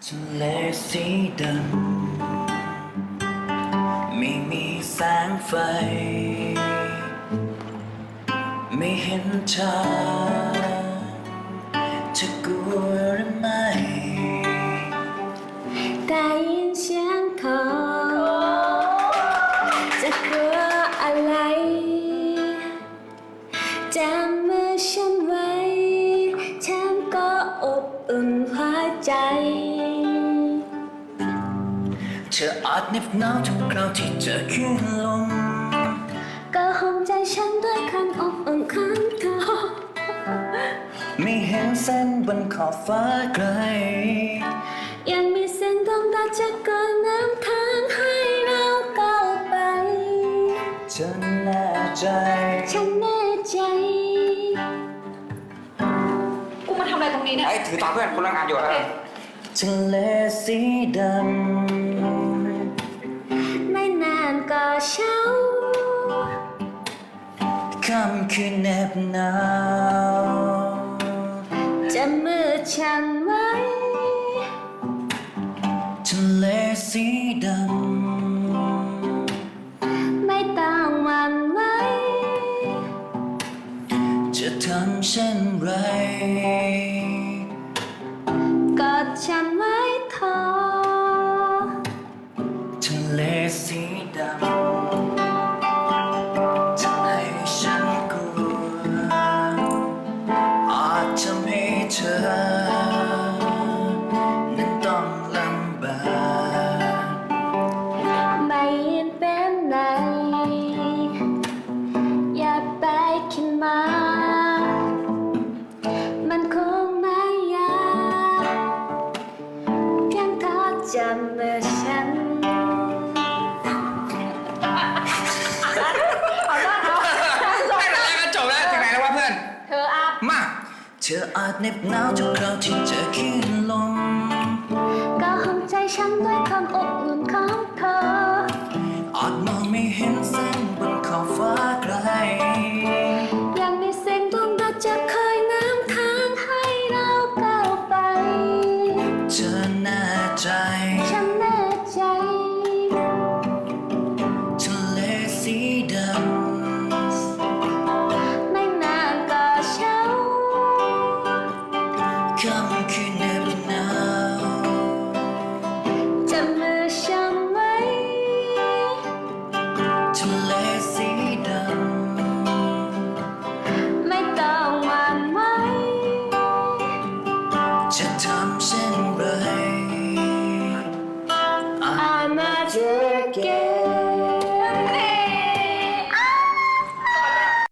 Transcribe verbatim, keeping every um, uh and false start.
ทะเลสีดำไม่มีแสงไฟไม่เห็นเธอจะกลัวหรือไม่ได้ยินเสียงเธอจะกลัวอะไรจำมือฉันไว้ฉันก็อบอุ่นหัวใจเธออาจเหน็บหนาวทุกคราวที่เจอคลื่นลมก็ห้องใจฉันด้วยคำอบอุ่นของเธอไม่เห็นเส้นบนขอบฟ้าไกลยังมีเสียงดวงดาวจะก่อน้ำทางให้เราก้าวไปฉันแน่ใจฉันแน่ใจกูมาทำอะไรตรงนี้เนี่ยไอ้ถือตามเพื่อนคนละงานอยู่ครับทะเลสีดำไม่นานก็เช้าค่ำคืนแนบหนาวจะมือฉันไว้ทะเลสีดำไม่ต้องหวั่นไหวจะทำเช่นไรกอดฉันไว้เธอทะเลสีดำทำให้ฉันกลัวอาจทำให้เธอนั้นต้องลำบากไม่เป็นไรอย่าไปคิดมามันคงไม่ยากเพียงเธอจำมือฉันไม่เป็นไรก็จบแล้วถึงไหนแล้ววะเพื่อนเธออาบมาเธออาจเหน็บหนาวทุกคราวที่เจอคลื่นลมก็ห้องใจฉันด้วยความอบอุ่นของเธออาจมองไม่เห็นเส้นบนขอบฟ้าไกลยังมีเสียงดวงดาวจะคอยนำทางให้เราก้าวไปเธอแน่ใจฉันแน่ใจทะเลสีดำไม่นานก็เช้าค่ำคืนแนบหนาวจับมือฉันไว้ทะเลสีดำไม่ต้องหวั่นไหวจะทำเช่นไร I'm not your girl